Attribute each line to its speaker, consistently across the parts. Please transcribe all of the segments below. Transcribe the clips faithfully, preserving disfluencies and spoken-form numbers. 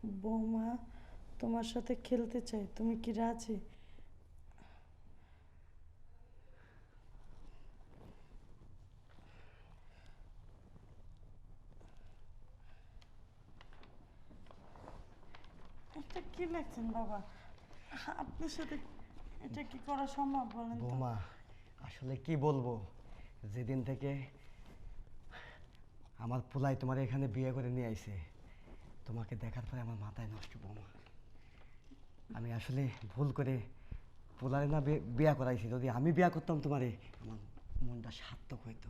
Speaker 1: বৌমা তোমার সাথে খেলতে চাই, তুমি কি রাজি? এটা কি লেখছেন বাবা? আপনার সাথে এটা কি করা সম্ভব বলেন তো?
Speaker 2: বৌমা আসলে কি বলবো, যেদিন থেকে আমার পোলাই তোমার এখানে বিয়ে করে নিয়ে আইছে, তোমাকে দেখার পরে আমার মাথায় নষ্ট বৌমা। আমি আসলে ভুল করে পোলারে না বিয়া করাইছি, যদি আমি বিয়া করতাম তোমারে আমার মনটা সার্থক হইতো।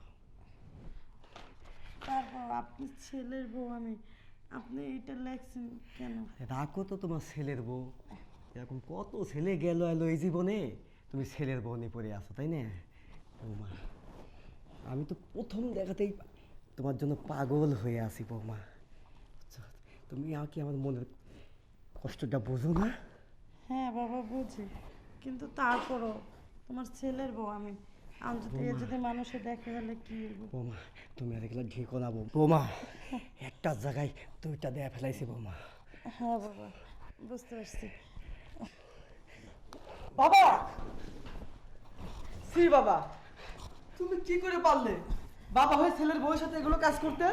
Speaker 1: তারপর আপনি ছেলের বউ, আমি আপনি এটা লেখছেন কেন?
Speaker 2: রাখো তো তোমার ছেলের বউ, এরকম কত ছেলে গেল এলো এই জীবনে, তুমি ছেলের বউ নিয়ে পড়ে আসো তাই না বৌমা? আমি তো প্রথম দেখাতেই তোমার জন্য পাগল হয়ে আছি বৌমা। তুমি আর কি আমার মনের কষ্টটা বোঝো না?
Speaker 1: হ্যাঁ বাবা বুঝি, কিন্তু তারপরও তোমার ছেলের বউ আমি, আমি যদি এ যদি মানুষে দেখে হলে কি হইব?
Speaker 2: বৌমা তুমি আর এগুলো ঢেকো না বৌমা, একটা জায়গায় দুইটা দেয়া ফেলাইছি বৌমা।
Speaker 1: হ্যাঁ বাবা বুঝতে পারছি।
Speaker 3: বাবা, শ্রী বাবা, তুমি কি করে পারলে বাবা হয়ে ছেলের বউয়ের সাথে এগুলো কাজ করতে?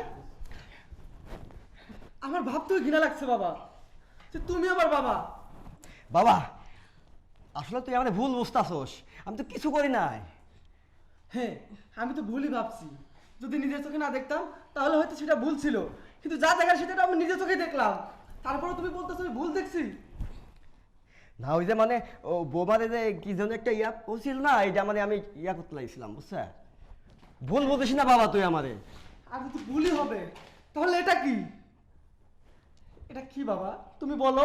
Speaker 3: আমার ভাবতেও ঘৃণা লাগছে বাবা, যে তুমি আমার বাবা।
Speaker 2: বাবা আসলে তুই আমার ভুল বুঝতাছস, আমি তো কিছু করি নাই।
Speaker 3: হ্যাঁ, আমি তো ভুলই ভাবছি, যদি নিজের চোখে না দেখতাম তাহলে হয়তো সেটা ভুল ছিল, কিন্তু যা দেখার সেটা আমি নিজের চোখে দেখলাম, তারপরে তুমি বলতেছো আমি ভুল দেখছি।
Speaker 2: না ওই যে মানে ও বোমারে যে কি যেন একটা ইয়া করছিল না, এটা মানে আমি ইয়া করতে লাগছিলাম বুঝছে। ভুল বলিস না বাবা তুই আমারে।
Speaker 3: আর যদি ভুলই হবে তাহলে এটা কি? এটা কি বাবা তুমি বলো?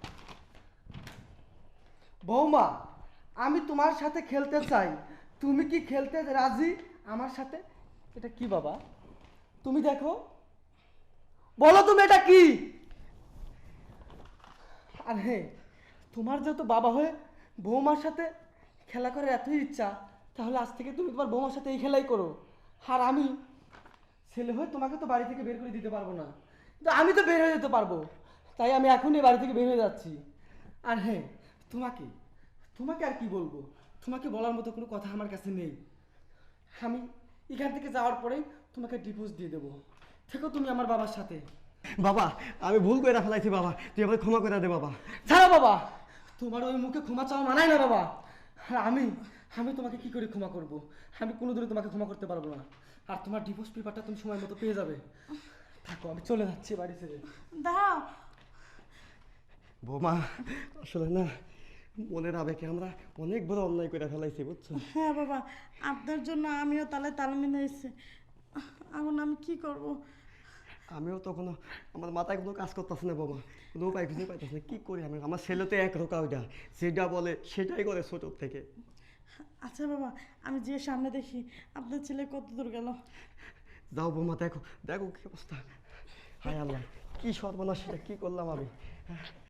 Speaker 3: বৌমা, আমি তোমার সাথে খেলতে চাই, তুমি কি খেলতে রাজি আমার সাথে? এটা কি বাবা তুমি দেখো, বলো তুমি এটা কি? আর হ্যাঁ, তোমার যেহেতু বাবা হয়ে বৌমার সাথে খেলা করার এতই ইচ্ছা, তাহলে আজ থেকে তুমি তোমার বৌমার সাথে এই খেলাই করো। আর আমি ছেলে হয়ে তোমাকে তো বাড়ি থেকে বের করে দিতে পারবো না, কিন্তু আমি তো বের হয়ে যেতে পারবো, তাই আমি এখনই বাড়ি থেকে বের হয়ে যাচ্ছি। আর হ্যাঁ, তোমাকে তোমাকে আর কি বলবো, তোমাকে বলার মতো কোনো কথা আমার কাছে নেই। আমি এখান থেকে যাওয়ার পরেই তোমাকে ডিভোর্স দিয়ে দেবো, থেকো তুমি আমার বাবার সাথে।
Speaker 2: বাবা আমি ভুল করে ফেলাইছি বাবা, তুই আমাকে ক্ষমা করে দে বাবা।
Speaker 3: ছাড়ো বাবা, তোমার ওই মুখে ক্ষমা চাওয়া মানায় না বাবা। আর আমি আমি তোমাকে কি করে ক্ষমা করব? আমি কোনোদিনও তোমাকে ক্ষমা করতে পারবো না। আর তোমার ডিভোর্স পেপারটা তুমি সময় মতো পেয়ে যাবে। থাকো, আমি চলে যাচ্ছি বাড়ি ছেড়ে।
Speaker 1: দাও।
Speaker 2: বৌমা আসলে না মনের আবেগে আমরা অনেক বড় অন্যায় করে ফেলাইছি বুঝছো।
Speaker 1: হ্যাঁ বাবা, আপনার জন্য আমিও তালে তাল মিলাইছি, এখন আমি কি করব?
Speaker 2: আমিও তখন আমার মাথায় কোনো কাজ করতেছে না বাবা, কোনো উপায় খুঁজে পাইতেছে না, কি করি আমি? আমার ছেলে তো এক রোকা, ওইটা যেটা বলে সেটাই করে ছোটোর থেকে।
Speaker 1: আচ্ছা বাবা, আমি যে সামনে দেখি আপনার ছেলে কত দূর গেল।
Speaker 2: যাও বৌমা, দেখো দেখো কি অবস্থা। হায় আল্লাহ, কি সর্বনাশ, সেটা কি করলাম আমি।